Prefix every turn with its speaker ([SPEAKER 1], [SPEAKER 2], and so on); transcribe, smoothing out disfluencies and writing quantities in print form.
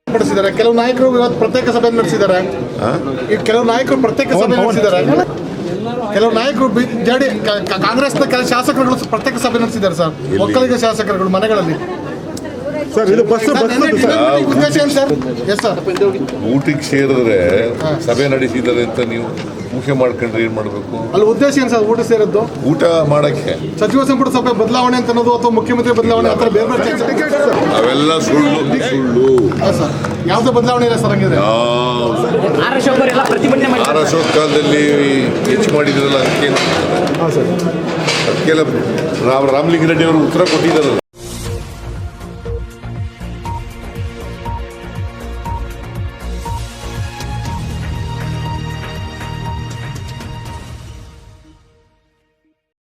[SPEAKER 1] ನಡೆಸಿದ್ದಾರೆ. ಕೆಲವು ನಾಯಕರು ಇವತ್ತು ಪ್ರತ್ಯೇಕ ಸಭೆ ನಡೆಸಿದ್ದಾರೆ. ಈ ಕೆಲವು ನಾಯಕರು ಪ್ರತ್ಯೇಕ ಸಭೆ ನಡೆಸಿದ್ದಾರೆ. ಕೆಲವು ನಾಯಕರು ಕಾಂಗ್ರೆಸ್ನ ಕೆಲ ಶಾಸಕರುಗಳು ಪ್ರತ್ಯೇಕ ಸಭೆ ನಡೆಸಿದ್ದಾರೆ ಸರ್. ಒಕ್ಕಲಿಗ ಶಾಸಕರುಗಳು ಮನೆಗಳಲ್ಲಿ
[SPEAKER 2] ಸರ್. ಇದು ಬಸ್
[SPEAKER 1] ಉದ್ದೇಶ ಏನು ಸರ್? Yes sir.
[SPEAKER 3] ಊಟಕ್ಕೆ ಸೇರಿದ್ರೆ ಸಭೆ ನಡೆಸಿದ್ದಾರೆ ಅಂತ ನೀವು ಊಹೆ ಮಾಡ್ಕೊಂಡ್ರೆ ಏನ್ ಮಾಡಬೇಕು?
[SPEAKER 1] ಅಲ್ಲಿ ಉದ್ದೇಶ ಏನು ಸರ್? ಊಟ ಸೇರಿದ್ದು
[SPEAKER 3] ಊಟ ಮಾಡಕ್ಕೆ
[SPEAKER 1] ಸಚಿವ ಸಂಪುಟ ಸಭೆ ಬದಲಾವಣೆ ಅಂತ ಅನ್ನೋದು ಅಥವಾ ಮುಖ್ಯಮಂತ್ರಿ ಬದಲಾವಣೆ ಆ ಥರ ಬೇರೆ ಬೇರೆ
[SPEAKER 3] ಅವೆಲ್ಲ ಸುಳ್ಳು.
[SPEAKER 1] ಸರ್ ಯಾವುದೇ ಬದಲಾವಣೆ ಇಲ್ಲ ಸರ್. ಹಂಗಿದ್ರೆ
[SPEAKER 3] ಅಶೋಕ್ ಕಾಲದಲ್ಲಿ ಹೆಚ್ಚು ಮಾಡಿದ್ರಲ್ಲ ಅದಕ್ಕೆಲ್ಲ ರಾಮಲಿಂಗ ರೆಡ್ಡಿ ಅವರು ಉತ್ತರ ಕೊಟ್ಟಿದ್ದಾರೆ.